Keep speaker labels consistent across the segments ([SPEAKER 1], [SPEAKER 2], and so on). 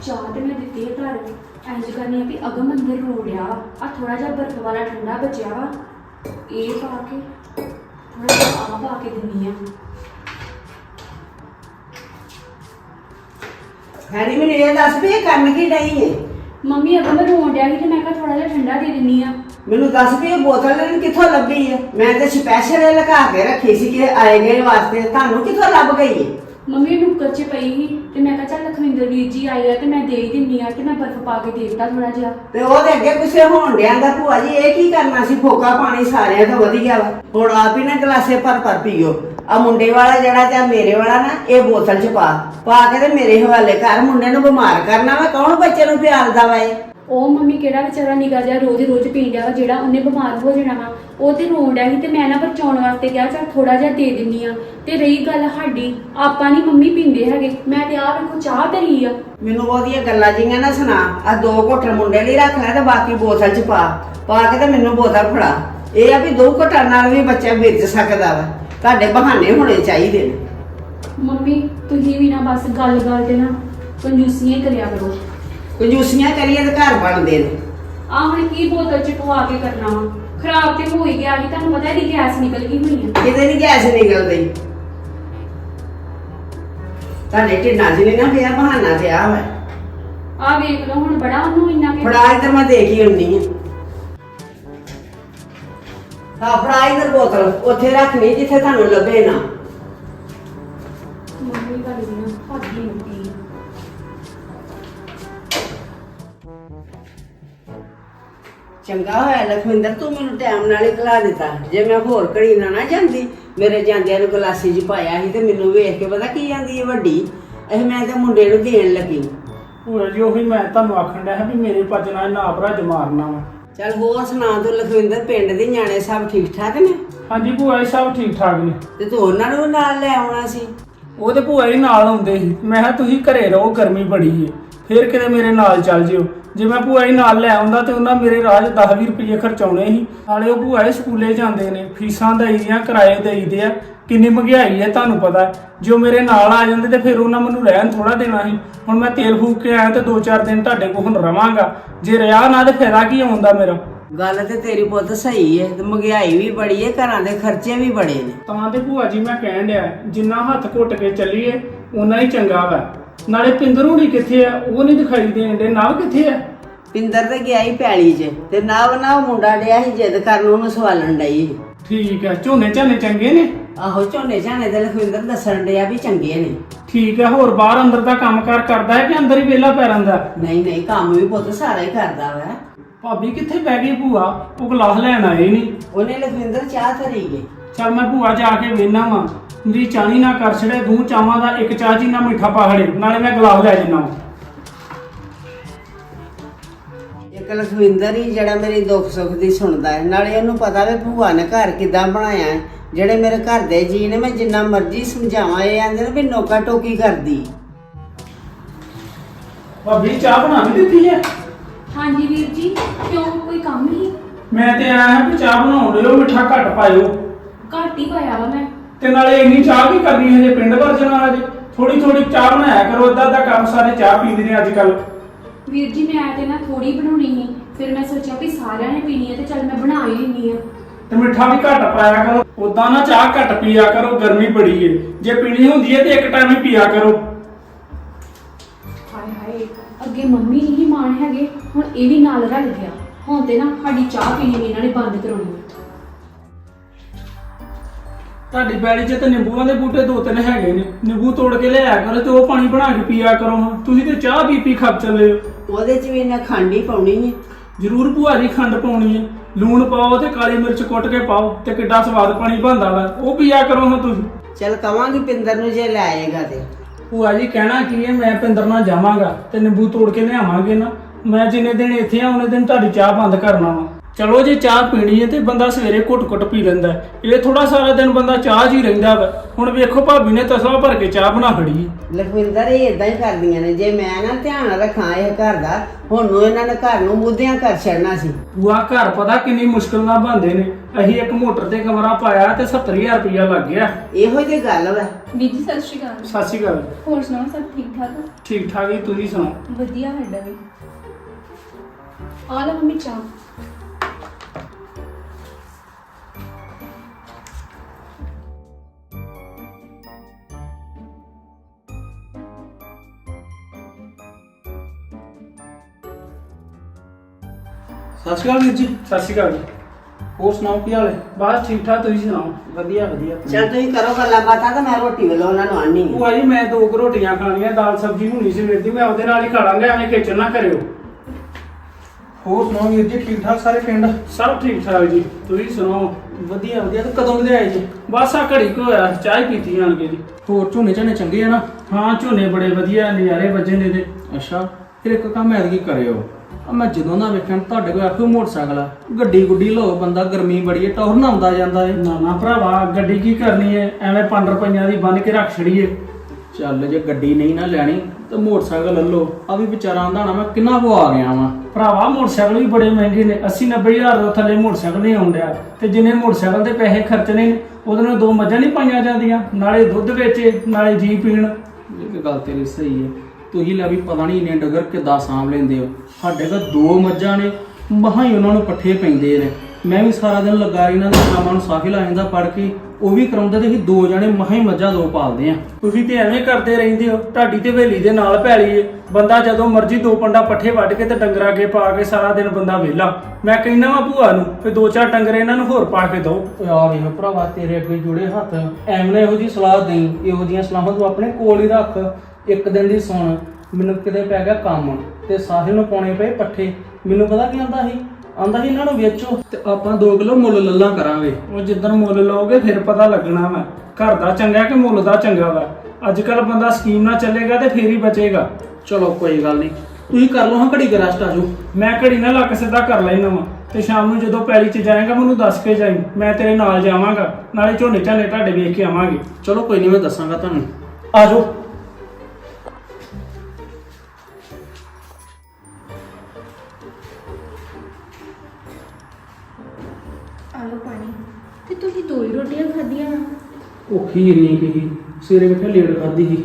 [SPEAKER 1] ਚਾਹ ਤੇ ਮੈਂ ਦਿੱਤੀ ਹੈ ਘਰ ਇੰਜ ਕਰਨੀ ਆ ਵੀ ਅਗਮ ਅੰਦਰ ਰੋ ਰਿਹਾ ਵਾ ਆ ਥੋੜਾ ਜਿਹਾ ਬਰਫ ਵਾਲਾ ਠੰਡਾ ਬਚਿਆ ਵਾ ਇਹ ਪਾ ਕੇ ਥੋੜਾ ਜਿਹਾ ਆਹ ਪਾ ਕੇ ਦਿੰਨੀ ਆ।
[SPEAKER 2] ਹੈਰੀ ਮੈਨੂੰ ਇਹ ਦੱਸ ਵੀ ਇਹ ਕਰਨ ਕੀ ਡਈ ਏ?
[SPEAKER 1] ਮੰਮੀ ਅਗਮ ਰੋਣ ਡਿਆ ਸੀ ਤੇ ਮੈਂ ਕਿਹਾ ਥੋੜਾ ਜਿਹਾ ਠੰਡਾ ਦੇ ਦਿੰਨੀ ਆ।
[SPEAKER 2] ਮੈਨੂੰ ਦੱਸ ਵੀ ਇਹ ਬੋਤਲ ਇਹਨੂੰ ਕਿੱਥੋਂ ਲੱਭੀ ਹੈ? ਮੈਂ ਤੇ ਸਪੈਸ਼ਲ ਇਹ ਲਗਾ ਕੇ ਰੱਖੀ ਸੀ ਕਿ ਆਏ ਗਏ ਵਾਸਤੇ, ਤੁਹਾਨੂੰ ਕਿੱਥੋਂ ਲੱਭ ਗਈ ਹੈ?
[SPEAKER 1] ਮੰਮੀ ਨੁੱਕਰ 'ਚ ਪਈ ਸੀ ਤੇ ਮੈਂ ਕਿਹਾ ਚੱਲ ਲਖਵਿੰਦਰ ਵੀਰ ਜੀ ਆਏ ਆ ਤੇ ਮੈਂ ਦੇ ਹੀ ਦਿੰਨੀ ਆ ਤੇ ਮੈਂ ਬਰਫ ਪਾ ਕੇ ਦੇ ਦਿੱਤਾ ਥੋੜਾ ਜਿਹਾ।
[SPEAKER 2] ਤੇ ਉਹਦੇ ਅੱਗੇ ਗੁੱਸੇ ਹੋਣ ਡਿਆਂ ਦਾ ਭੂਆ ਜੀ ਇਹ ਕੀ ਕਰਨਾ ਸੀ? ਫੋਕਾ ਪਾਣੀ ਸਾਰਿਆਂ ਤੋਂ ਵਧੀਆ ਵਾ। ਹੁਣ ਆਪ ਹੀ ਨਾ ਗਲਾਸੇ ਭਰ ਪੀਓ। ਆ ਮੁੰਡੇ ਵਾਲਾ ਜਿਹੜਾ ਜਾਂ ਮੇਰੇ ਵਾਲਾ ਨਾ ਇਹ ਬੋਤਲ 'ਚ ਪਾ ਕੇ ਤੇ ਮੇਰੇ ਹਵਾਲੇ ਕਰ। ਮੁੰਡੇ ਨੂੰ ਬਿਮਾਰ ਕਰਨਾ ਵਾ, ਕੌਣ ਬੱਚੇ ਨੂੰ ਪਿਆਲਦਾ ਵਾ ਇਹ?
[SPEAKER 1] ਉਹ ਮੰਮੀ ਕਿਹੜਾ ਵਿਚਾਰਾ ਨਿੱਕਾ ਜਿਹਾ ਰੋਜ਼ ਪੀਣ ਡਿਆ ਵਾ ਜਿਹੜਾ ਉਹਨੇ ਬਿਮਾਰ ਹੋ ਜਾਣਾ ਵਾ। ਉਹ ਤੇ ਰੋਣ ਡਿਆ ਸੀ ਤੇ ਮੈਂ ਨਾ ਬਚਾਉਣ ਵਾਸਤੇ ਕਿਹਾ ਚੱਲ ਥੋੜਾ ਜਿਹਾ ਦੇ ਦਿੰਨੀ ਆ। ਤੇ ਰਹੀ ਗੱਲ ਸਾਡੀ, ਆਪਾਂ ਨਹੀਂ ਮੰਮੀ ਪੀਂਦੇ ਹੈਗੇ। ਮੈਂ ਤੇ ਆਹ ਵੇਖੋ ਚਾਹ ਧਰੀ ਆ।
[SPEAKER 2] ਮੈਨੂੰ ਉਹਦੀਆਂ ਗੱਲਾਂ ਜੀਆਂ ਨਾ ਸੁਣਾ। ਆ 2 ਘੁੱਟ ਮੁੰਡੇ ਲਈ ਰੱਖ ਲੈ ਤੇ ਬਾਕੀ ਬੋਤਲ 'ਚ ਪਾ ਕੇ ਤੇ ਮੈਨੂੰ ਬੋਤਲ ਫੜਾ। ਇਹ ਆ ਵੀ 2 ਘੁੱਟਾਂ ਨਾਲ ਵੀ ਬੱਚਾ ਵਿਰਜ ਸਕਦਾ ਵਾ। ਤੁਹਾਡੇ ਬਹਾਨੇ ਹੋਣੇ ਚਾਹੀਦੇ ਨੇ।
[SPEAKER 1] ਮੰਮੀ ਤੁਸੀਂ ਵੀ ਨਾ ਬਸ ਗੱਲ ਤੇ ਨਾ ਕੰਜੂਸੀਆਂ ਹੀ ਕਰਿਆ ਕਰੋ।
[SPEAKER 2] ਕੰਜੂਸੀਆਂ ਕਰੀਏ ਤੇ ਘਰ ਬਣਦੇ ਨੇ।
[SPEAKER 1] ਆਹ ਹੁਣ ਕੀ ਬੋਤਲ 'ਚ ਪਵਾ ਕੇ ਕਰਨਾ ਵਾ? ਖਰਾਬ ਤੇ ਹੋ ਹੀ ਗਿਆ ਸੀ, ਤੁਹਾਨੂੰ ਪਤਾ ਇਹਦੀ ਗੈਸ ਨਿਕਲ ਗਈ ਹੋਈ ਆ।
[SPEAKER 2] ਕਿਤੇ ਨਹੀਂ ਗੈਸ ਨਿਕਲਦੀ। ਤੁਹਾਡੇ ਢਿੱਡਾਂ 'ਚ ਨਹੀਂ ਨਾ ਪਿਆ, ਬਹਾਨਾ ਪਿਆ ਵਾ।
[SPEAKER 1] ਆਹ ਵੇਖ ਲਓ ਹੁਣ ਬੜਾ ਉਹਨੂੰ ਇੰਨਾ ਕਿ
[SPEAKER 2] ਫੜਾ ਇੱਧਰ, ਮੈਂ ਦੇਖ ਹੀ ਹੁੰਨੀ ਆ। ਹਾਂ ਫੜਾ ਇੱਧਰ ਬੋਤਲ, ਉੱਥੇ ਰੱਖਣੀ ਜਿੱਥੇ ਤੁਹਾਨੂੰ ਲੱਭੇ ਨਾ।
[SPEAKER 1] ਮੰਮੀ ਵਾਲੀ ਦੀ ਨਾ ਹੱਦ ਹੀ ਮੁੱਕੀ।
[SPEAKER 2] ਚੰਗਾ ਹੋਇਆ ਲਖਵਿੰਦਰ ਤੂੰ ਮੈਨੂੰ ਟਾਈਮ ਨਾਲ ਹੀ ਖਲਾ ਦਿੱਤਾ। ਜੇ ਮੈਂ ਹੋਰ ਘੜੀ ਨਾ ਜਾਂਦੀ, ਮੇਰੇ ਜਾਂਦਿਆਂ ਨੂੰ ਗਲਾਸੀ 'ਚ ਪਾਇਆ ਸੀ ਤੇ ਮੈਨੂੰ ਵੇਖ ਕੇ ਪਤਾ ਕੀ ਜਾਂਦੀ ਹੈ ਵੱਡੀ, ਇਹ ਮੈਂ ਤੇ ਮੁੰਡੇ ਨੂੰ ਦੇਣ ਲੱਗੀ।
[SPEAKER 3] ਭੂਆ ਜੀ ਉਹੀ ਮੈਂ ਤੁਹਾਨੂੰ ਆਖਣ ਡਿਆ ਵੀ ਮੇਰੇ ਭੱਜਣਾ ਨਾ ਭਰਾ ਮਾਰਨਾ ਵਾ।
[SPEAKER 2] ਚੱਲ ਹੋਰ ਸੁਣਾ ਤੂੰ ਲਖਵਿੰਦਰ, ਪਿੰਡ ਦੇ ਨਿਆਣੇ ਸਭ ਠੀਕ ਠਾਕ ਨੇ?
[SPEAKER 3] ਹਾਂਜੀ ਭੂਆ ਜੀ ਸਭ ਠੀਕ ਠਾਕ ਨੇ।
[SPEAKER 2] ਤੇ ਤੂੰ ਉਹਨਾਂ ਨੂੰ ਨਾਲ ਲੈ ਆਉਣਾ ਸੀ।
[SPEAKER 3] ਉਹ ਤੇ ਭੂਆ ਜੀ ਨਾਲ ਆਉਂਦੇ ਸੀ। ਮੈਂ ਕਿਹਾ ਤੁਸੀਂ ਘਰੇ ਰਹੋ, ਗਰਮੀ ਬੜੀ ਏ, ਫਿਰ ਕਿਤੇ ਮੇਰੇ ਨਾਲ ਚੱਲ ਜਿਓ। ਜੇ ਮੈਂ ਭੂਆ ਜੀ ਨਾਲ ਲੈ ਆਉਂਦਾ ਤੇ ਉਹਨਾਂ ਮੇਰੇ ਰਾਜ 10-20 ਰੁਪਏ ਖਰਚਾਉਣੇ ਸੀ। ਨਾਲੇ ਉਹ ਭੂਆ ਜੀ ਸਕੂਲੇ ਜਾਂਦੇ ਨੇ, ਫੀਸਾਂ ਦੇਈਆਂ, ਕਿਰਾਏ ਦੇਈਦੇ ਆ, ਕਿੰਨੀ ਮਹਿੰਗਾਈ ਹੈ ਤੁਹਾਨੂੰ ਪਤਾ। ਜੋ ਮੇਰੇ ਨਾਲ ਆ ਜਾਂਦੇ ਤੇ ਫਿਰ ਉਹਨਾਂ ਮੈਨੂੰ ਰਹਿਣ ਥੋੜਾ ਦੇਣਾ ਸੀ। ਹੁਣ ਮੈਂ ਤੇਲ ਫੂਕ ਕੇ ਆਇਆ ਤੇ 2-4 ਦਿਨ ਤੁਹਾਡੇ ਕੋਲ ਹੁਣ ਰਵਾਂਗਾ। ਜੇ ਰਿਹਾ ਨਾ ਤੇ ਫਾਇਦਾ ਕੀ ਆਉਂਦਾ ਮੇਰਾ?
[SPEAKER 2] ਗੱਲ ਤੇ ਤੇਰੀ ਪੁੱਤ ਸਹੀ ਹੈ, ਤੇ ਮਹਿੰਗਾਈ ਵੀ ਬੜੀ ਹੈ, ਘਰਾਂ ਦੇ ਖਰਚੇ ਵੀ ਬੜੇ ਨੇ।
[SPEAKER 3] ਤਾਂ ਤੇ ਭੂਆ ਜੀ ਮੈਂ ਕਹਿਣ ਡਿਆ ਜਿੰਨਾ ਹੱਥ ਘੁੱਟ ਕੇ ਚੱਲੀਏ ਉਨਾ ਹੀ ਚੰਗਾ ਵਾ। ਨਾਲੇ ਪਿੰਦਰ ਹੁਣੀ ਕਿੱਥੇ ਆ? ਉਹ ਨਹੀਂ ਦਿਖਾਈ ਦੇਣ ਦੇ। ਨਾਵ ਕਿੱਥੇ ਆ?
[SPEAKER 2] ਪਿੰਦਰ ਤੇ ਗਿਆ ਹੀ ਪੈਲੀ 'ਚ, ਤੇ ਨਾ ਮੁੰਡਾ ਡਿਆ ਸੀ ਜਿੱਦ ਕਰਨ, ਉਹਨੂੰ ਸਵਾਲਣ ਡਈ।
[SPEAKER 3] ਠੀਕ ਆ। ਝੋਨੇ ਝਾਨੇ ਚੰਗੇ ਨੇ?
[SPEAKER 2] ਆਹੋ ਝੋਨੇ ਝਾਨੇ ਦੇ ਲਖਵਿੰਦਰ ਦੱਸਣ ਡਿਆ ਵੀ ਚੰਗੇ ਨੇ।
[SPEAKER 3] ਠੀਕ ਆ। ਹੋਰ ਬਾਹਰ ਅੰਦਰ ਦਾ ਕੰਮਕਾਰ ਕਰਦਾ ਹੈ ਕਿ ਅੰਦਰ ਹੀ ਵਿਹਲਾ ਪੈਰਾਂ ਦਾ?
[SPEAKER 2] ਨਹੀਂ ਕੰਮ ਵੀ ਪੁੱਤ ਸਾਰਾ ਹੀ ਕਰਦਾ ਵਾ।
[SPEAKER 3] ਭਾਬੀ ਕਿੱਥੇ ਬਹਿ ਗਈ ਭੂਆ? ਉਹ ਗਲਾਸ ਲੈਣ ਆਏ ਨਹੀਂ।
[SPEAKER 2] ਉਹਨੇ ਲਖਵਿੰਦਰ ਚਾਹ ਧਰੀ ਗਏ।
[SPEAKER 3] ਚੱਲ ਮੈਂ ਭੂਆ ਜਾ ਕੇ ਵੇਖਣਾ ਵਾ। ਮੇਰੀ ਚਾਹੀ ਨਾ ਕਰ ਛੜੇ, 2 ਚਾਵਾਂ ਦਾ 1 ਚਾਹ ਜੀ ਨਾ ਮਿੱਠਾ ਪਾ ਖੜੇ, ਨਾਲੇ ਮੈਂ ਗਲਾਸ ਲੈ ਜੰਨਾ।
[SPEAKER 2] ਇੱਕ ਲਖਵਿੰਦਰ ਹੀ ਜਿਹੜਾ ਮੇਰੀ ਦੁੱਖ ਸੁੱਖ ਦੀ ਸੁਣਦਾ ਹੈ, ਨਾਲੇ ਉਹਨੂੰ ਪਤਾ ਵੀ ਭੂਆ ਨੇ ਘਰ ਕਿੱਦਾਂ ਬਣਾਇਆ ਹੈ। ਜਿਹੜੇ ਮੇਰੇ ਘਰ ਦੇ ਜੀ ਨੇ, ਮੈਂ ਜਿੰਨਾ ਮਰਜ਼ੀ ਸਮਝਾਵਾਂ, ਇਹ ਆਂਦੇ ਨੇ ਵੀ ਨੋਕਾ ਟੋਕੀ ਕਰਦੀ।
[SPEAKER 3] ਭਾਬੀ ਚਾਹ ਬਣਾ ਵੀ ਦਿੱਤੀ ਹੈ?
[SPEAKER 1] ਹਾਂਜੀ ਵੀਰ ਜੀ, ਕਿਉਂ ਕੋਈ ਕੰਮ ਹੀ?
[SPEAKER 3] ਮੈਂ ਤੇ ਆਇਆ ਹਾਂ ਵੀ ਚਾਹ ਬਣਾਉਣ ਲਿਓ, ਮਿੱਠਾ ਘੱਟ ਪਾਇਓ।
[SPEAKER 1] ਘੱਟ ਹੀ ਪਾਇਆ ਵਾ ਮੈਂ।
[SPEAKER 3] ਤੇ ਨਾਲੇ ਇੰਨੀ ਚਾਹ ਕੀ ਕਰਨੀ ਹਜੇ? ਪਿੰਡ ਭਰ ਜਾਣਾ ਹਜੇ? ਥੋੜੀ ਚਾਹ ਬਣਾਇਆ ਕਰੋ। ਅੱਧਾ ਕੰਮ ਸਾਰੇ ਚਾਹ ਪੀਂਦੇ ਨੇ ਅੱਜ ਕੱਲ।
[SPEAKER 1] ਵੀਰ ਜੀ ਮੈਂ ਤੇ ਨਾ ਥੋੜੀ ਬਣਾਉਣੀ ਸੀ, ਫਿਰ ਮੈਂ ਸੋਚਿਆ ਵੀ ਸਾਰਿਆਂ ਨੇ ਪੀਣੀ ਹੈ ਤੇ ਚੱਲ ਮੈਂ ਬਣਾ ਹੀ ਲੈਣੀ ਆ।
[SPEAKER 3] ਤੇ ਮਿੱਠਾ ਵੀ ਘੱਟ ਪਾਇਆ ਕਰੋ। ਉਦਾਂ ਨਾ ਚਾਹ ਘੱਟ ਪੀਆ ਕਰੋ, ਗਰਮੀ ਬੜੀ ਏ। ਜੇ ਪੀਣੀ ਹੁੰਦੀ ਏ ਤੇ ਇੱਕ ਟਾਈਮ ਹੀ ਪੀਆ ਕਰੋ।
[SPEAKER 1] ਹਾਏ ਹਾਏ, ਅੱਗੇ ਮੰਮੀ ਨਹੀਂ ਮਾਣ ਹੈਗੇ, ਹੁਣ ਇਹ ਵੀ ਨਾਲ ਰਲ ਗਿਆ। ਹੁਣ ਤੇ ਨਾ ਸਾਡੀ ਚਾਹ ਪੀਣੀ ਵੀ ਇਹਨਾਂ ਨੇ ਬੰਦ ਕਰਾਉਣੀ ਹੈ।
[SPEAKER 3] ਤੁਹਾਡੀ ਪੈਲੀ 'ਚ ਤੇ ਨਿੰਬੂਆਂ ਦੇ ਬੂਟੇ 2-3 ਹੈਗੇ ਨੇ, ਨਿੰਬੂ ਤੋੜ ਕੇ ਲਿਆਇਆ ਕਰੋ ਤੇ ਉਹ ਪਾਣੀ ਬਣਾ ਕੇ ਪੀਆ ਕਰੋ। ਤੁਸੀਂ ਤੇ ਚਾਹ ਪੀ ਖੱਪ ਚੱਲੇ ਹੋ।
[SPEAKER 2] ਉਹਦੇ 'ਚ ਵੀ ਇਹਨੇ ਖੰਡ ਹੀ ਪਾਉਣੀ ਹੈ।
[SPEAKER 3] ਜ਼ਰੂਰ ਭੂਆ ਜੀ ਖੰਡ ਪਾਉਣੀ ਹੈ। ਲੂਣ ਪਾਓ ਤੇ ਕਾਲੀ ਮਿਰਚ ਕੁੱਟ ਕੇ ਪਾਓ ਤੇ ਕਿੱਡਾ ਸਵਾਦ ਪਾਣੀ ਬਣਦਾ ਵਾ, ਉਹ ਪੀਆ ਕਰੋ ਹਾਂ ਤੁਸੀਂ।
[SPEAKER 2] ਚੱਲ ਕਵਾਂਗੀ ਪਿੰਦਰ ਨੂੰ ਜੇ ਲੈ ਆਏਗਾ ਤੇ।
[SPEAKER 3] ਭੂਆ ਜੀ ਕਹਿਣਾ ਕੀ ਹੈ, ਮੈਂ ਪਿੰਦਰ ਨਾਲ ਜਾਵਾਂਗਾ ਤੇ ਨਿੰਬੂ ਤੋੜ ਕੇ ਲਿਆਵਾਂਗੇ ਨਾ। ਮੈਂ ਜਿੰਨੇ ਦਿਨ ਇੱਥੇ ਆ ਉਹਨੇ ਦਿਨ ਤੁਹਾਡੀ ਚਾਹ ਬੰਦ ਕਰਨਾ ਵਾ। ਚਲੋ ਜੇ ਚਾਹ ਪੀਣੀ ਹੈ ਤੇ ਬੰਦਾ ਸਵੇਰੇ ਘੁੱਟ-ਘੁੱਟ ਪੀ ਲੈਂਦਾ ਹੈ। ਇਹ ਥੋੜਾ ਸਾਰਾ ਦਿਨ ਬੰਦਾ ਚਾਹ 'ਚ ਹੀ ਰਹਿੰਦਾ ਵਾ। ਹੁਣ ਵੇਖੋ ਭਾਬੀ ਨੇ ਤਸਲਾ ਭਰ ਕੇ ਚਾਹ ਬਣਾ ਖੜੀ।
[SPEAKER 2] ਲਖਵਿੰਦਰ ਇਹ ਇਦਾਂ ਹੀ ਕਰਦੀਆਂ ਨੇ। ਜੇ ਮੈਂ ਨਾ ਧਿਆਨ ਰੱਖਾਂ ਇਹ ਘਰ ਦਾ, ਹੁਣ ਨੂੰ ਇਹਨਾਂ ਨੇ ਘਰ ਨੂੰ ਮੁੱਦਿਆਂ ਕਰ ਛੱਡਣਾ ਸੀ।
[SPEAKER 3] ਭੂਆ ਘਰ ਪਤਾ ਕਿੰਨੀ ਮੁਸ਼ਕਲ ਨਾਲ ਬਣਦੇ ਨੇ। ਅਸੀਂ ਇੱਕ ਮੋਟਰ ਤੇ ਕਮਰਾ ਪਾਇਆ ਤੇ 70000 ਰੁਪਇਆ ਲੱਗ ਗਿਆ।
[SPEAKER 2] ਇਹੋ ਜਿਹੀ ਗੱਲ ਵਾ।
[SPEAKER 1] ਵੀਰ ਜੀ ਸਤਿ ਸ਼੍ਰੀ ਅਕਾਲ।
[SPEAKER 3] ਸਤਿ ਸ਼੍ਰੀ ਅਕਾਲ।
[SPEAKER 1] ਹੋਰ ਸੁਣਾਓ ਸਭ ਠੀਕ ਠਾਕ?
[SPEAKER 3] ਠੀਕ ਠਾਕ ਹੀ, ਤੁਸੀਂ ਸੁਣਾਓ?
[SPEAKER 1] ਵਧੀਆ ਸਾਡਾ ਵੀ। ਆ ਲਓ ਮੰਮੀ ਚਾਹ।
[SPEAKER 4] ਸਤਿ ਸ਼੍ਰੀ ਅਕਾਲ ਵੀਰ ਜੀ।
[SPEAKER 3] ਸਤਿ ਸ਼੍ਰੀ ਅਕਾਲ ਜੀ।
[SPEAKER 4] ਹੋਰ ਸੁਣਾਓ ਕੀ ਹਾਲ ਹੈ?
[SPEAKER 3] ਬਸ ਠੀਕ ਠਾਕ, ਤੁਸੀਂ ਸੁਣਾਓ?
[SPEAKER 4] ਵਧੀਆ ਵਧੀਆ।
[SPEAKER 2] ਚੱਲ ਤੁਸੀਂ ਕਰੋ ਗੱਲਾਂ ਬਾਤਾਂ ਤੇ ਮੈਂ ਰੋਟੀ ਵੱਲੋਂ ਉਹਨਾਂ ਨੂੰ ਆਣੀ
[SPEAKER 3] ਭੂਆ ਜੀ ਮੈਂ 2 ਰੋਟੀਆਂ ਖਾਣੀਆਂ, ਦਾਲ ਸਬਜ਼ੀ ਹੋਣੀ ਸਵੇਰ ਦੀ, ਮੈਂ ਉਹਦੇ ਨਾਲ ਹੀ ਖਾ ਲਾਂਗਾ, ਐਵੇਂ ਖੇਚਲ ਨਾ ਕਰਿਓ।
[SPEAKER 4] ਹੋਰ ਸੁਣਾਓ ਵੀਰ ਜੀ, ਠੀਕ ਠਾਕ ਸਾਰੇ ਪਿੰਡ?
[SPEAKER 3] ਸਭ ਠੀਕ ਠਾਕ ਜੀ, ਤੁਸੀਂ ਸੁਣਾਓ?
[SPEAKER 4] ਵਧੀਆ ਵਧੀਆ। ਤੇ ਕਦੋਂ ਦੇ ਆਏ ਜੀ?
[SPEAKER 3] ਬਸ ਆ ਘੜੀ ਕੋ ਹੋਇਆ, ਚਾਹ ਹੀ ਪੀਤੀ ਆਣ ਕੇ ਜੀ।
[SPEAKER 4] ਹੋਰ ਝੋਨੇ ਝਾਨੇ ਚੰਗੇ ਆ ਨਾ?
[SPEAKER 3] ਹਾਂ ਝੋਨੇ ਬੜੇ ਵਧੀਆ, ਨਜ਼ਾਰੇ ਵੱਜੇ ਨੇ ਤੇ।
[SPEAKER 4] ਅੱਛਾ, ਫਿਰ ਇੱਕ ਕੰਮ ਐਤਕੀ ਕਰਿਓ। ਆ ਮੈਂ ਜਦੋਂ ਨਾ ਵੇਖਣ ਤੁਹਾਡੇ ਕੋਲ ਆਖੋ ਮੋਟਰਸਾਈਕਲ ਆ, ਗੱਡੀ ਗੁੱਡੀ ਲਓ, ਬੰਦਾ ਗਰਮੀ ਬੜੀ ਹੈ, ਟੌਰ ਨਾ ਆਉਂਦਾ ਜਾਂਦਾ ਏ।
[SPEAKER 3] ਨਾ ਨਾ ਭਰਾਵਾ, ਗੱਡੀ ਕੀ ਕਰਨੀ ਹੈ, ਐਵੇਂ 5 ਰੁਪਈਆਂ ਦੀ ਬੰਨ ਕੇ ਰੱਖ ਛੜੀਏ।
[SPEAKER 4] ਚੱਲ ਜੇ ਗੱਡੀ ਨਹੀਂ ਨਾ ਲੈਣੀ ਤੇ ਮੋਟਰਸਾਈਕਲ ਲੈ ਲਓ। ਆ ਵੀ ਵਿਚਾਰਾ ਆਂਦਾ ਨਾ ਮੈਂ ਕਿੰਨਾ ਕੋ ਆ ਗਿਆ ਵਾਂ।
[SPEAKER 3] ਭਰਾਵਾ ਮੋਟਰਸਾਈਕਲ ਵੀ ਬੜੇ ਮਹਿੰਗੇ ਨੇ, 80-90 ਹਜ਼ਾਰ ਤੋਂ ਥੱਲੇ ਮੋਟਰਸਾਈਕਲ ਨਹੀਂ ਆਉਂਦਿਆ। ਤੇ ਜਿੰਨੇ ਮੋਟਰਸਾਈਕਲ ਦੇ ਪੈਸੇ ਖਰਚਣੇ ਨੇ ਉਹਦੇ ਨਾਲ 2 ਮੱਝਾਂ ਨਹੀਂ ਪਾਈਆਂ ਜਾਂਦੀਆਂ, ਨਾਲੇ ਦੁੱਧ ਵੇਚੇ ਨਾਲੇ ਜੀ ਪੀਣ।
[SPEAKER 4] ਇਹ ਗੱਲ ਤੇਰੀ ਸਹੀ ਹੈ। ਤੁਸੀਂ ਲੈ ਵੀ ਪਤਾ ਨਹੀਂ ਇੰਨੇ ਡੰਗਰ ਕਿੱਦਾਂ ਸਾਂਭ ਲੈਂਦੇ ਹੋ। ਸਾਡੇ ਕੋਲ 2 ਮੱਝਾਂ ਨੇ, ਮਹਾਂ ਹੀ ਉਹਨਾਂ ਨੂੰ ਪੱਠੇ ਪੈਂਦੇ ਨੇ। ਮੈਂ ਵੀ ਸਾਰਾ ਦਿਨ ਲੱਗਾ ਇਹਨਾਂ ਦੇ ਕੰਮਾਂ ਨੂੰ ਸਾਹਿਲ ਆ ਜਾਂਦਾ ਪੜ ਕੇ, ਉਹ ਵੀ ਕਰਾਉਂਦੇ ਤੇ ਅਸੀਂ 2 ਜਣੇ ਮਹਾਂ ਹੀ ਮੱਝਾਂ 2 ਪਾਲਦੇ ਆ।
[SPEAKER 3] ਤੁਸੀਂ ਤੇ ਐਵੇਂ ਕਰਦੇ ਰਹਿੰਦੇ ਹੋ, ਢਾਡੀ ਤੇ ਹਵੇਲੀ ਦੇ ਨਾਲ ਪੈਲੀ ਏ। ਬੰਦਾ ਜਦੋਂ ਮਰਜ਼ੀ 2 ਪੰਡਾ ਪੱਠੇ ਵੱਢ ਕੇ ਤੇ ਡੰਗਰਾਂ ਅੱਗੇ ਪਾ ਕੇ ਸਾਰਾ ਦਿਨ ਬੰਦਾ ਵਿਹਲਾ। ਮੈਂ ਕਹਿੰਦਾ ਵਾ ਭੂਆ ਨੂੰ ਫਿਰ 2-4 ਡੰਗਰ ਇਹਨਾਂ ਨੂੰ ਹੋਰ ਪਾ ਕੇ ਦਿਓ।
[SPEAKER 4] ਯਾਰ ਇਹ ਭਰਾਵਾ ਤੇਰੇ ਅੱਗੇ ਜੁੜੇ ਹੱਥ, ਐਵੇਂ ਇਹੋ ਜੀ ਸਲਾਹ ਦੇਈ। ਇਹੋ ਜੀਆਂ ਸਲਾਹਾਂ ਤੂੰ ਆਪਣੇ ਕੋਲ ਹੀ ਰੱਖ। ਇੱਕ ਦਿਨ ਦੀ ਸੁਣ, ਮੈਨੂੰ ਕਿਤੇ ਪੈ ਗਿਆ ਕੰਮ ਤੇ ਸਾਹਿਲ ਨੂੰ ਪਾਉਣੇ ਪਏ ਪੱਠੇ। ਮੈਨੂੰ ਪਤਾ ਕੀ ਆਂਦਾ ਸੀ ਇਹਨਾਂ ਨੂੰ ਵੇਚੋ ਤੇ ਆਪਾਂ 2 ਕਿਲੋ ਮੁੱਲ ਲੱਲਾ ਕਰਾਂਗੇ।
[SPEAKER 3] ਉਹ ਜਿੱਦਣ ਮੁੱਲ ਲਓਗੇ ਫਿਰ ਪਤਾ ਲੱਗਣਾ ਵਾ ਘਰ ਦਾ ਚੰਗਾ ਕਿ ਮੁੱਲ ਦਾ ਚੰਗਾ ਵਾ। ਅੱਜ ਕੱਲ ਬੰਦਾ ਸਕੀਮ ਨਾਲ ਚੱਲੇਗਾ ਤੇ ਫੇਰ ਹੀ ਬਚੇਗਾ।
[SPEAKER 4] ਚਲੋ ਕੋਈ ਗੱਲ ਨਹੀਂ, ਤੁਸੀਂ ਕਰ ਲਓ ਹਾਂ ਘੜੀ ਕੁ ਰੈਸਟ ਆਜੋ।
[SPEAKER 3] ਮੈਂ ਘੜੀ ਨਾਲ ਲੱਕ ਸਿੱਧਾ ਕਰ ਲੈਣਾ ਵਾ ਤੇ ਸ਼ਾਮ ਨੂੰ ਜਦੋਂ ਪੈਲੀ 'ਚ ਜਾਏਗਾ ਮੈਨੂੰ ਦੱਸ ਕੇ ਜਾਈਂ, ਮੈਂ ਤੇਰੇ ਨਾਲ ਜਾਵਾਂਗਾ, ਨਾਲੇ ਝੋਨੇ ਝਾਨੇ ਤੁਹਾਡੇ ਵੇਖ ਕੇ ਆਵਾਂਗੇ।
[SPEAKER 4] ਚਲੋ ਕੋਈ ਨਹੀਂ, ਮੈਂ ਦੱਸਾਂਗਾ ਤੁਹਾਨੂੰ। ਆਜੋ।
[SPEAKER 1] ਆਲੋ ਪਾਣੀ। ਤੇ ਤੁਸੀਂ 2 ਹੀ ਰੋਟੀਆਂ ਖਾਧੀਆਂ ਵਾ?
[SPEAKER 4] ਭੁੱਖੀ ਇੰਨੀ ਕੀ ਸਵੇਰੇ ਵੇਖਿਆ ਲੇਟ ਖਾਧੀ ਸੀ।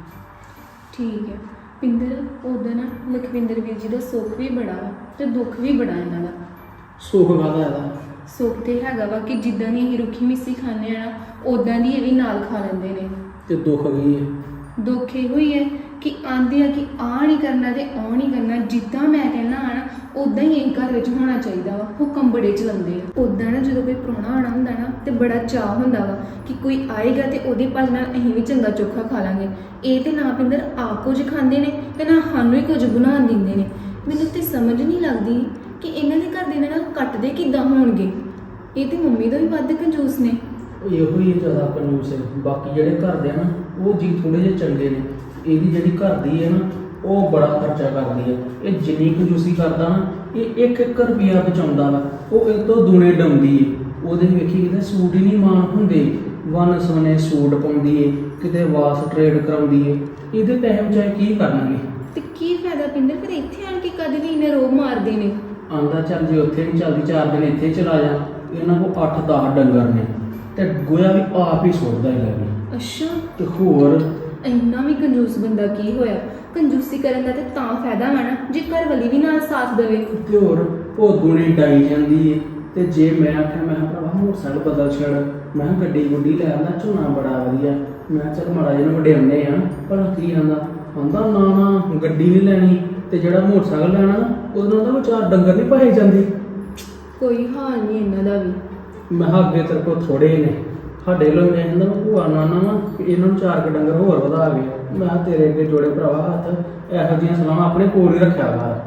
[SPEAKER 1] ਠੀਕ ਹੈ ਪਿੰਦਰ, ਉਹਦਾ ਨਾ ਲਖਵਿੰਦਰ ਵੀਰ ਜੀ ਦਾ ਸੁੱਖ ਵੀ ਬੜਾ ਵਾ ਤੇ ਦੁੱਖ ਵੀ ਬੜਾ ਇਹਨਾਂ ਦਾ।
[SPEAKER 4] ਸੁੱਖ ਕਾਹਦਾ ਇਹਦਾ?
[SPEAKER 1] ਸੁੱਖ ਤੇ ਹੈਗਾ ਵਾ ਕਿ ਜਿੱਦਾਂ ਦੀ ਅਸੀਂ ਰੁੱਖੀ ਮਿੱਸੀ ਖਾਂਦੇ ਆ ਨਾ, ਉਦਾਂ ਦੀ ਇਹ ਵੀ ਨਾਲ ਖਾ ਲੈਂਦੇ ਨੇ।
[SPEAKER 4] ਤੇ ਦੁੱਖ ਕੀ ਹੈ?
[SPEAKER 1] ਦੁੱਖ ਇਹੋ ਹੀ ਹੈ ਕਿ ਆਂਦੇ ਆ ਕਿ ਆਹ ਨਹੀਂ ਕਰਨਾ ਤੇ ਉਹ ਨਹੀਂ ਕਰਨਾ। ਜਿੱਦਾਂ ਮੈਂ ਕਹਿਣਾ ਆ ਨਾ ਉਦਾਂ ਹੀ ਇਹ ਘਰ ਵਿੱਚ ਹੋਣਾ ਚਾਹੀਦਾ ਵਾ। ਹੁਕਮ ਬੜੇ ਚਲਾਉਂਦੇ ਆ। ਉਦਾਂ ਨਾ ਜਦੋਂ ਕੋਈ ਪ੍ਰਾਹੁਣਾ ਆਉਣਾ ਹੁੰਦਾ ਨਾ ਤੇ ਬੜਾ ਚਾਅ ਹੁੰਦਾ ਵਾ ਕਿ ਕੋਈ ਆਏਗਾ ਤੇ ਉਹਦੇ ਭੱਜ ਨਾਲ ਅਸੀਂ ਵੀ ਚੰਗਾ ਚੋਖਾ ਖਾ ਲਾਂਗੇ। ਇਹ ਤੇ ਨਾ ਪਿੰਦਰ ਆਪ ਕੁਝ ਖਾਂਦੇ ਨੇ ਤੇ ਨਾ ਸਾਨੂੰ ਹੀ ਕੁਝ ਬਣਾ ਦਿੰਦੇ ਨੇ। ਮੈਨੂੰ ਤੇ ਸਮਝ ਨਹੀਂ ਲੱਗਦੀ ਕਿ ਇਹਨਾਂ ਦੇ ਘਰ ਦੇ ਨਾਲ ਕੱਟਦੇ ਕਿੱਦਾਂ ਹੋਣਗੇ। ਇਹ ਤੇ ਮੰਮੀ ਤੋਂ ਵੀ ਵੱਧ ਕੰਜੂਸ ਨੇ।
[SPEAKER 4] ਇਹੋ ਹੀ ਜ਼ਿਆਦਾ ਕੰਜੂਸ ਹੈ। ਬਾਕੀ ਜਿਹੜੇ ਘਰ ਦੇ ਆ ਨਾ ਉਹ ਜੀ ਥੋੜੇ ਜਿਹੇ ਚੰਗੇ ਨੇ। ਇਹਦੀ ਜਿਹੜੀ ਘਰ ਦੀ ਹੈ ਨਾ ਉਹ ਬੜਾ ਖਰਚਾ ਕਰਦੀ ਹੈ। ਇਹ ਜਿੰਨੀ ਕੰਜੂਸੀ ਕਰਦਾ ਨਾ, ਇਹ 1-1 ਰੁਪਿਆ ਬਚਾਉਂਦਾ ਵਾ, ਉਹ ਇਹ ਤੋਂ ਦੂਣੇ ਡਾਉਂਦੀ ਏ। ਉਹਦੇ ਵੇਖੀ ਕਿਤੇ ਸੂਟ ਹੀ ਨਹੀਂ ਮਾਣ ਹੁੰਦੇ, ਵਨ ਸਵਨੇ ਸੂਟ ਪਾਉਂਦੀ ਏ, ਕਿਤੇ ਵਾਸ ਟ੍ਰੇਡ ਕਰਾਉਂਦੀ ਏ। ਇਹਦੇ ਪੈਸੇ ਬਚਾਏ ਕੀ ਕਰਨਗੇ?
[SPEAKER 1] ਤੇ ਕੀ ਫਾਇਦਾ ਪਿੰਦਰ, ਫਿਰ ਇੱਥੇ ਆਣ ਕੇ ਕਦੇ ਵੀ ਇਹਨੇ ਰੋਬ ਮਾਰਦੇ ਨੇ।
[SPEAKER 4] ਆਂਦਾ ਚੱਲ ਜੇ ਉੱਥੇ ਨਹੀਂ ਚੱਲਦੀ 4 ਦਿਨ ਇੱਥੇ ਚਲਾ ਜਾ। ਇਹਨਾਂ ਕੋਲ 8-10 ਡੰਗਰ ਨੇ ਤੇ ਗੋਇਆ ਵੀ ਆਪ ਹੀ ਸੁੱਟਦਾ ਹੀ ਲੱਗੇ।
[SPEAKER 1] ਅੱਛਾ,
[SPEAKER 4] ਤੇ ਹੋਰ
[SPEAKER 1] ਇੰਨਾ ਵੀ ਕੰਜੂਸ ਬੰਦਾ ਕੀ ਹੋਇਆ? ਕੰਜੂਸੀ ਕਰਨ ਦਾ ਤੇ ਤਾਂ ਫਾਇਦਾ ਵਾ ਨਾ ਜੇ ਘਰ ਵਾਲੀ ਵੀ ਨਾਲ ਸਾਥ ਦੇਵੇ।
[SPEAKER 4] ਤੇ ਹੋਰ ਉਹ ਦੁਨੀ ਡਾਈ ਜਾਂਦੀ ਏ। ਤੇ ਜੇ ਮੈਂ ਆਖਿਆ ਮੈਂ ਕਿਹਾ ਭਰਾਵਾ ਮੋਟਰਸਾਈਕਲ ਬਦਲ ਛੱਡ, ਮੈਂ ਕਿਹਾ ਗੱਡੀ ਗੁੱਡੀ ਲੈ ਆਉਂਦਾ, ਝੋਨਾ ਬੜਾ ਵਧੀਆ, ਮੈਂ ਚੱਲ ਮਾੜਾ ਜਿਹਾ ਵਡਿਆਉਂਦੇ ਆ। ਪਰ ਕੀ ਆਂਦਾ ਨਾ ਗੱਡੀ ਨਹੀਂ ਲੈਣੀ ਤੇ ਜਿਹੜਾ ਮੋਟਰਸਾਈਕਲ ਲੈਣਾ ਨਾ ਉਹਦੇ ਨਾਲ ਤਾਂ 4 ਡੰਗਰ ਨਹੀਂ ਪਾਏ ਜਾਂਦੇ।
[SPEAKER 1] ਕੋਈ ਹਾਲ ਨਹੀਂ ਇਹਨਾਂ ਦਾ ਵੀ।
[SPEAKER 4] ਮੈਂ ਕਿਹਾ ਅੱਗੇ ਤੇਰੇ ਕੋਲ ਥੋੜੇ ਨੇ, ਸਾਡੇ ਲੋਕ ਮੈਂ ਕਹਿੰਦਾ ਭੂਆ ਨਾਨਾ ਵਾ ਇਹਨਾਂ ਨੂੰ 4 ਡੰਗਰ ਹੋਰ ਵਧਾ ਗਏ। ਮੈਂ ਕਿਹਾ ਤੇਰੇ ਅੱਗੇ ਜੋੜੇ ਭਰਾਵਾ ਹੱਥ, ਇਹੋ ਜਿਹੀਆਂ ਸਲਾਹਾਂ ਆਪਣੇ ਕੋਲ ਹੀ ਰੱਖਿਆ ਕਰ।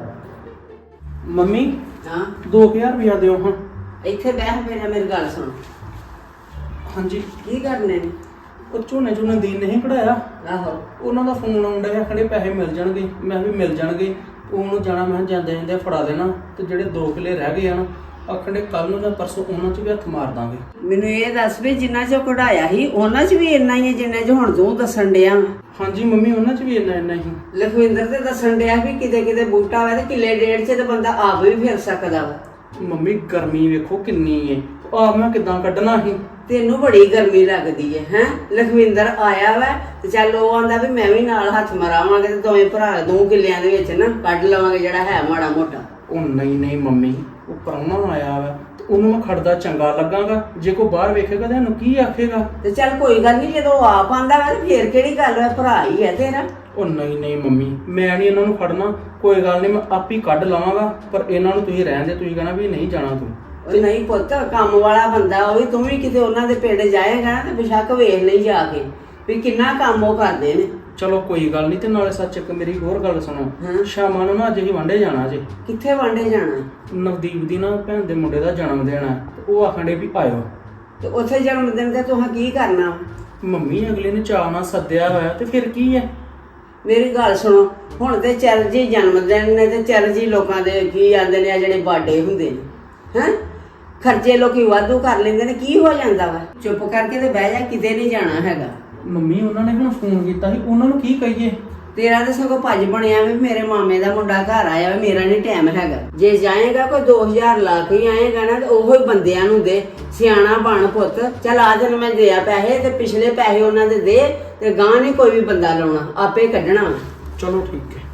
[SPEAKER 4] ਮੰਮੀ
[SPEAKER 2] ਹਾਂ
[SPEAKER 4] 2000 ਰੁਪਇਆ ਦਿਓ ਹਾਂ।
[SPEAKER 2] ਇੱਥੇ ਬਹਿ ਪਹਿਲਾਂ ਮੇਰੀ ਗੱਲ ਸੁਣ।
[SPEAKER 4] ਹਾਂਜੀ।
[SPEAKER 2] ਕੀ ਕਰਨੇ ਨੇ?
[SPEAKER 4] ਉਹ ਝੋਨੇ ਦੀਨ ਨਹੀਂ ਕਢਾਇਆ,
[SPEAKER 2] ਆਹੋ
[SPEAKER 4] ਉਹਨਾਂ ਦਾ ਫੋਨ ਆਉਂਦਾ ਹੈ, ਕਹਿੰਦੇ ਪੈਸੇ ਮਿਲ ਜਾਣਗੇ। ਮੈਂ ਵੀ ਮਿਲ ਜਾਣਗੇ। ਉਹਨੂੰ ਜਾਣਾ, ਮੈਂ ਜਾਂਦੇ ਜਾਂਦੇ ਫੜਾ ਦੇਣਾ ਤੇ ਜਿਹੜੇ 2 ਕਿੱਲੇ ਰਹਿ ਗਏ ਆ ਨਾ ਆਖਣੇ ਕੱਲ ਨੂੰ ਜਾਂ ਪਰਸੋਂ ਉਹਨਾਂ 'ਚ ਵੀ ਹੱਥ ਮਾਰ ਦਾਂਗੇ।
[SPEAKER 2] ਮੈਨੂੰ ਇਹ ਦੱਸ ਵੀ ਜਿੰਨਾ ਚੋਂ ਕਢਾਇਆ ਸੀ ਉਹਨਾਂ 'ਚ ਵੀ ਇੰਨਾ ਹੀ ਹੈ ਜਿੰਨੇ 'ਚ ਹੁਣ ਤੂੰ ਦੱਸਣ ਡਿਆ ਵਾਂ।
[SPEAKER 4] ਹਾਂਜੀ ਮੰਮੀ ਉਹਨਾਂ 'ਚ ਵੀ ਇੰਨਾ ਹੀ।
[SPEAKER 2] ਲਖਵਿੰਦਰ ਤੇ ਦੱਸਣ ਡਿਆ ਵੀ ਕਿਤੇ ਕਿਤੇ ਬੂਟਾ ਹੋਵੇ ਤੇ ਕਿੱਲੇ ਡੇਢ 'ਚ ਤੇ ਬੰਦਾ ਆਪ ਵੀ ਫਿਰ ਸਕਦਾ ਵਾ।
[SPEAKER 4] ਮੰਮੀ ਗਰਮੀ ਵੇਖੋ ਕਿੰਨੀ ਏ, ਆਪ ਮੈਂ ਕਿੱਦਾਂ ਕੱਢਣਾ ਸੀ।
[SPEAKER 2] ਤੈਨੂੰ ਬੜੀ ਗਰਮੀ ਲੱਗਦੀ ਹੈ ਹੈ ਲਖਵਿੰਦਰ ਆਇਆ ਵਾ ਤੇ ਚੱਲ ਉਹ ਆਂਦਾ ਵੀ ਮੈਂ ਵੀ ਨਾਲ ਹੱਥ ਮਰਾਵਾਂਗੇ ਤੇ ਦੋਵੇਂ ਭਰਾ 2 ਕਿੱਲਿਆਂ ਦੇ ਵਿੱਚ ਨਾ ਕੱਢ ਲਵਾਂਗੇ ਜਿਹੜਾ ਹੈ ਮਾੜਾ ਮੋਟਾ।
[SPEAKER 4] ਉਹ ਨਹੀਂ ਮੰਮੀ, ਉਹ ਪ੍ਰਾਹੁਣਾ ਆਇਆ ਵਾ ਤੇ ਉਹਨੂੰ ਮੈਂ ਖੜਦਾ ਚੰਗਾ ਲੱਗਾਂਗਾ। ਜੇ ਕੋਈ ਬਾਹਰ ਵੇਖੇਗਾ ਤਾਂ ਇਹਨੂੰ ਕੀ ਆਖੇਗਾ?
[SPEAKER 2] ਤੇ ਚੱਲ ਕੋਈ ਗੱਲ ਨਹੀਂ, ਜਦੋਂ ਆਪ ਆਂਦਾ ਵਾ ਤੇ ਫੇਰ ਕਿਹੜੀ ਗੱਲ ਹੈ, ਭਰਾ ਹੀ ਹੈ ਤੇਰਾ।
[SPEAKER 4] ਉਹ ਨਹੀਂ ਮੰਮੀ, ਮੈਂ ਨਹੀਂ ਇਹਨਾਂ ਨੂੰ ਖੜਨਾ। ਕੋਈ ਗੱਲ ਨਹੀਂ, ਮੈਂ ਆਪ ਹੀ ਕੱਢ ਲਵਾਂਗਾ। ਪਰ ਇਹਨਾਂ ਨੂੰ ਤੁਸੀਂ ਰਹਿਣ ਦੇ, ਤੁਸੀਂ ਕਹਿਣਾ ਵੀ ਨਹੀਂ ਜਾਣਾ ਤੂੰ।
[SPEAKER 2] ਉਹ ਨਹੀਂ ਪੁੱਤ, ਕੰਮ ਵਾਲਾ ਬੰਦਾ ਉਹ ਵੀ, ਤੂੰ ਵੀ ਕਿਤੇ ਉਹਨਾਂ ਦੇ ਪਿੰਡ ਜਾਏਗਾ ਨਾ ਤੇ ਬੇਸ਼ੱਕ ਵੇਖ ਲਈ ਜਾ ਕੇ ਵੀ ਕਿੰਨਾ ਕੰਮ ਉਹ ਕਰਦੇ ਨੇ।
[SPEAKER 4] ਚਲੋ ਕੋਈ ਗੱਲ ਨਹੀਂ। ਤੇ ਨਾਲੇ ਸੱਚ ਇੱਕ ਮੇਰੀ ਹੋਰ ਗੱਲ ਸੁਣੋ,
[SPEAKER 2] ਹਾਂ।
[SPEAKER 4] ਸ਼ਾਮਾਂ ਨੂੰ ਨਾ ਅੱਜ ਹੀ ਵਾਂਢੇ ਜਾਣਾ ਜੇ।
[SPEAKER 2] ਕਿੱਥੇ ਵਾਂਡੇ ਜਾਣਾ?
[SPEAKER 4] ਨਵਦੀਪ ਦੀ ਨਾ ਭੈਣ ਦੇ ਮੁੰਡੇ ਦਾ ਜਨਮ ਦਿਨ ਹੈ ਤੇ ਉਹ ਆਖਣ ਡੇ ਵੀ ਆਇਓ।
[SPEAKER 2] ਤੇ ਉੱਥੇ ਜਨਮ ਦਿਨ ਤੇ ਤੂੰ ਕੀ ਕਰਨਾ?
[SPEAKER 4] ਮੰਮੀ ਅਗਲੇ ਨੇ ਚਾਅ ਨਾਲ ਸੱਦਿਆ ਹੋਇਆ ਤੇ ਫਿਰ ਕੀ ਹੈ?
[SPEAKER 2] ਮੇਰੀ ਗੱਲ ਸੁਣੋ, ਹੁਣ ਤੇ ਚੱਲ ਜੀ ਜਨਮ ਦਿਨ ਨੇ ਤੇ ਚੱਲ ਜੀ ਲੋਕਾਂ ਦੇ ਕੀ ਆਂਦੇ ਨੇ ਆ ਜਿਹੜੇ ਬਰਥਡੇ ਹੁੰਦੇ ਨੇ, ਹੈ ਖਰਚੇ ਲੋਕੀ ਵਾਧੂ ਕਰ ਲੈਂਦੇ ਨੇ, ਕੀ ਹੋ ਜਾਂਦਾ ਵਾ? ਚੁੱਪ ਕਰਕੇ ਤੇ ਬਹਿ ਜਾ, ਕਿਤੇ ਨਹੀਂ ਜਾਣਾ ਹੈਗਾ।
[SPEAKER 4] ਮੰਮੀ ਉਹਨਾਂ ਨੇ ਹੁਣ ਫੋਨ ਕੀਤਾ ਸੀ, ਉਹਨਾਂ ਨੂੰ ਕੀ ਕਹੀਏ?
[SPEAKER 2] ਤੇਰਾ ਤਾਂ ਸਗੋਂ ਭੱਜ ਬਣਿਆ ਵੀ ਮੇਰੇ ਮਾਮੇ ਦਾ ਮੁੰਡਾ ਘਰ ਆਇਆ ਵਾ, ਮੇਰਾ ਨਹੀਂ ਟਾਈਮ ਹੈਗਾ। ਜੇ ਜਾਏਗਾ ਕੋਈ 2000 ਲਾ ਕੇ ਆਏਗਾ ਨਾ ਤੇ ਉਹੋ ਹੀ ਬੰਦਿਆਂ ਨੂੰ ਦੇ। ਸਿਆਣਾ ਬਣ ਪੁੱਤ, ਚੱਲ ਆ ਦਿਨ ਮੈਂ ਦਿਆ ਪੈਸੇ ਤੇ ਪਿਛਲੇ ਪੈਸੇ ਉਹਨਾਂ ਦੇ ਦੇ ਤੇ ਗਾਂ ਨਹੀਂ ਕੋਈ ਵੀ ਬੰਦਾ ਲਾਉਣਾ, ਆਪੇ ਕੱਢਣਾ।
[SPEAKER 4] ਚਲੋ ਠੀਕ ਹੈ।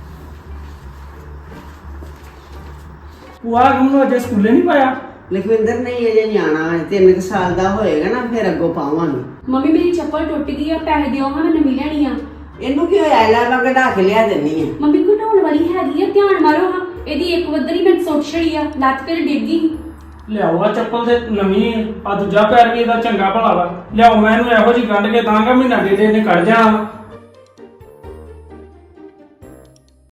[SPEAKER 3] ਭੂਆ ਨੂੰ ਅਜੇ ਸਕੂਲੇ ਨਹੀਂ ਪਾਇਆ?
[SPEAKER 2] ਲਖਵਿੰਦਰ ਨਹੀਂ ਅਜੇ ਨਿਆਣਾ ਹੈ, 3 ਸਾਲ ਦਾ ਹੋਏਗਾ ਨਾ ਫਿਰ ਅੱਗੋਂ ਪਾਵਾਂਗੇ।
[SPEAKER 1] ਮੰਮੀ ਮੇਰੀ ਚੱਪਲ ਟੁੱਟ ਗਈ ਆ, ਪੈਸੇ ਦਿਓ ਹਾਂ ਮੈਂ ਨਵੀਂ ਲੈਣੀ ਆ।
[SPEAKER 2] ਇਹਨੂੰ ਕੀ ਹੋਇਆ? ਲੈ ਮੈਂ ਕਢਾ ਕੇ ਲਿਆ ਦਿੰਨੀ ਆ।
[SPEAKER 1] ਮੰਮੀ ਘਟਾਉਣ ਵਾਲੀ ਹੈਗੀ ਆ, ਧਿਆਨ ਮਾਰੋ ਹਾਂ। ਇਹਦੀ ਇੱਕ ਵੱਧਰੀ ਮੈਂ ਸੁੱਟ ਛੜੀ ਆ, ਲੱਤ ਤੇ ਡਿੱਗ ਗਈ।
[SPEAKER 3] ਲਿਆਓ ਆ ਚੱਪਲ ਤੇ ਨਵੀਂ, ਆ ਦੂਜਾ ਪੈਰ ਵੀ ਇਹਦਾ ਚੰਗਾ ਭਲਾ ਵਾ। ਲਿਆਓ, ਮੈਂ ਇਹਨੂੰ ਇਹੋ ਜਿਹੀ ਗੰਢ ਕੇ ਦਾਂਗਾ, ਮਹੀਨਾ ਡੇਢ ਇਹਨੇ ਕੱਢ ਜਾਣਾ ਵਾ।